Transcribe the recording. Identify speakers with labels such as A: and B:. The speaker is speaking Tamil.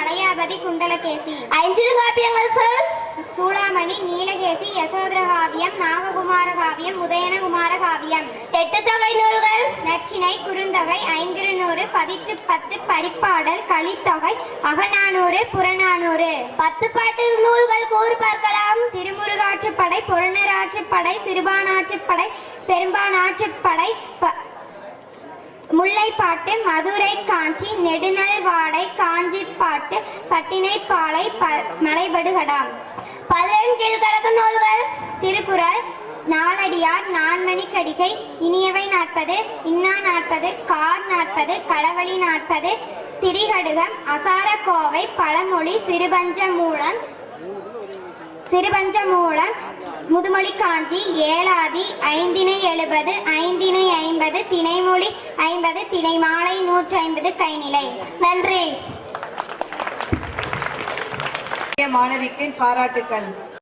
A: வளையாபதி குண்டலகேசி.
B: ஐஞ்சிறுகாப்பியங்கள் சொல்.
A: சூளாமணி, நீலகேசி, யசோதரகாவியம், நாககுமாரகாவியம், உதயனகுமாரகாவியம்.
B: எட்டு தொகை நூல்கள்.
A: நச்சினை, குறுந்தொகை, ஐங்குறுநூறு, பதிற்று பத்து, பரிப்பாடல், கலித்தொகை, அகநானூறு, புறநானூறு.
B: 10 பாட்டு நூல்கள் கூறு பார்க்கலாம்.
A: திருமுருகாற்றுப்படை, பொருணராற்றுப்படை, சிறுபானாற்றுப்படை, பெரும்பானாற்றுப்படை, முல்லைப்பாட்டு, மதுரை காஞ்சி, நெடுநல்வாடை, காஞ்சிப்பாட்டு, பட்டினைப்பாலை, மலைபடுகடாம்.
B: 11 கீழ்கணக்கு நூல்கள்.
A: திருக்குறள், நாலடியார், நான்மணிக்கடிகை, இனியவை 40, இன்னா 40, கார் 40, களவழி 40, திரிகடுகம், அசாரக்கோவை, பழமொழி, சிறுபஞ்சமூலம், முதுமொழி காஞ்சி, ஏலாதி, ஐந்திணை 70, ஐந்திணை 50, திணைமொழி 50, திணைமாலை 150, கைநிலை.
B: நன்றி.
C: மாணவிக்கு பாராட்டுக்கள்.